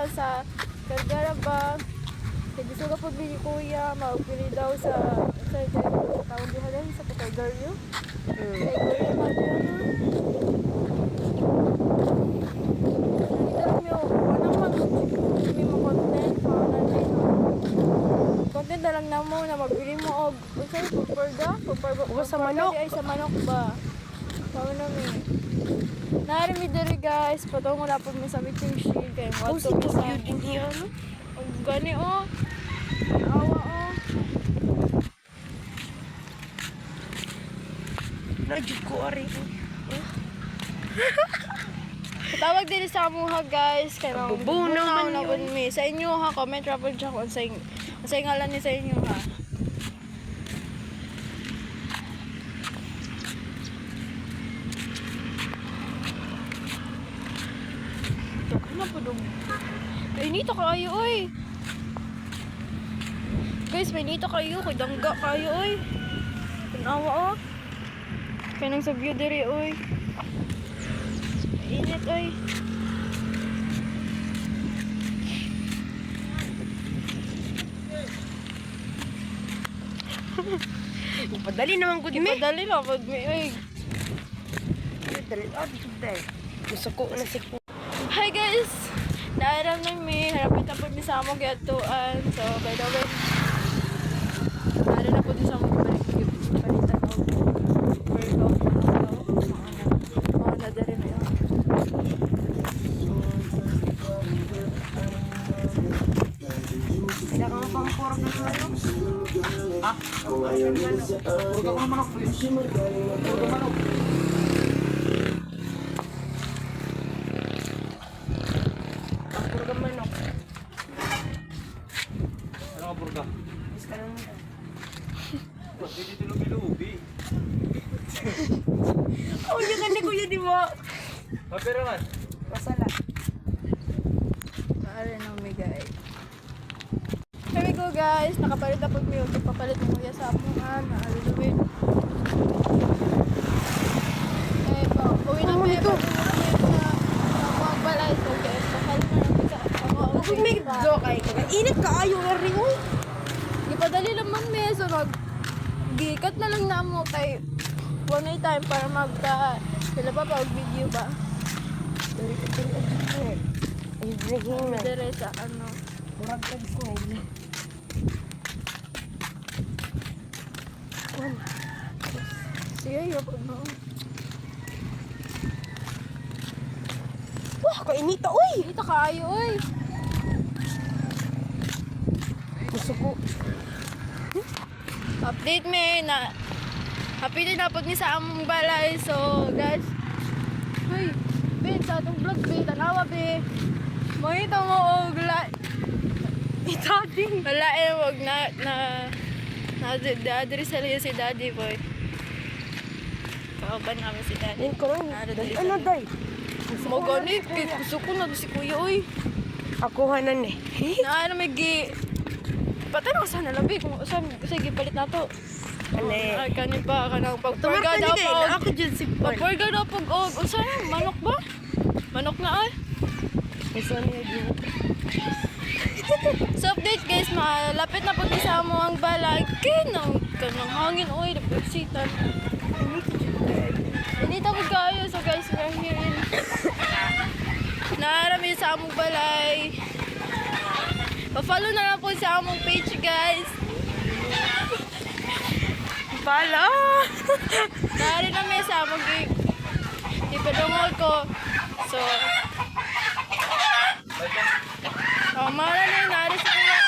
kuya sa Gargaraba. Kaya gusto ka po ni kuya, maupili daw sa tawag diha sa Patagaryo. Kay kuya Madriano. Dito lang may mga content, mga natin. Content na lang na mo na magbili mo og unsay pagparga Sa manok. ay sa manok ba. Tama na mi. Nari mi diri guys, patungo na po mi sa meeting shield kay mo Si to sa Tokyo din niya, no? ang gani oh. Awa oh. Nadyo ko, ari. Tawag din sa amuha guys kay mga Bubunaw man yun. mi. Sa inyo ha, comment travel dyan kung sa ngalan ni sa inyo ha. Ano po dong? Nito kayo oy. Guys, may nito kayo, kay dangga kayo oy. Tanawa oh. Kaya nang sa view diri oy. Init oy. Padali naman ko din, me. Padali na pag may oy. Dali, dito dahil. Gusto ko na si ko. Hi guys! Naaram na mi, harapit na po mi sa among gatuan. So, by the way, naaram na po din sa among palitan o workout mga na dali na yun. Kaya kang pampurag na sa ano? Ha? Purga ko manok, please. Purga manok. Purga manok. Ano ka purga? Is ka lang nila. Hindi dito lubi-lubi. Oh, yung ganda ko yun, di ba? Mapira man. Masala. Naaram na mi guys. Here we go guys, nakapalit na po mi. Papalit mo kuya sa amuhan. Naaram na mi. Eh, uwi na mi. Magbalay. So guys, papalit na namin sa amuhan. Huwag may joke ay ka. Init ka ayo nga rin, uy. Ipadali naman me, so gikat na lang namo kay one night time para sila pa video ba? Dali, dali. Ay, dali, man. Dire sa ano. Murag ka ko. Sige, yung ano. Wah, kainita, uy. Dito kaayo, oy. Gusto ko. Update me na happy din napod ni sa among balay. So, guys. Hoy, Ben, sa atong vlog, Ben, tanawa, Ben. Mangita mo, og Ito, din. wala wag dadri sa liya si daddy boy. Kauban namin si daddy. Yan ko lang. Dali, Ano, day? Mo ganit, kay gusto ko na si kuya, oy. Ako hanan eh. Na ano may patay na ko sana labi kung saan sige palit na to. Ano eh. Ay kanin pa kanang pagpurga Tumarka daw ni kay na pa. ako dyan si Paul. Pagpurga daw pag unsa manok ba? Manok na ay. Gusto niya din. So update guys, malapit na pag sa mo ang balay. Kanang hangin oy, napagsitan. Inita po kayo. So guys, we're here in naarami sa among balay. Pa-follow na lang po sa among page guys. Pala! Naari na may sa among ipadungol ko. So, mara na yung naari sa kuya.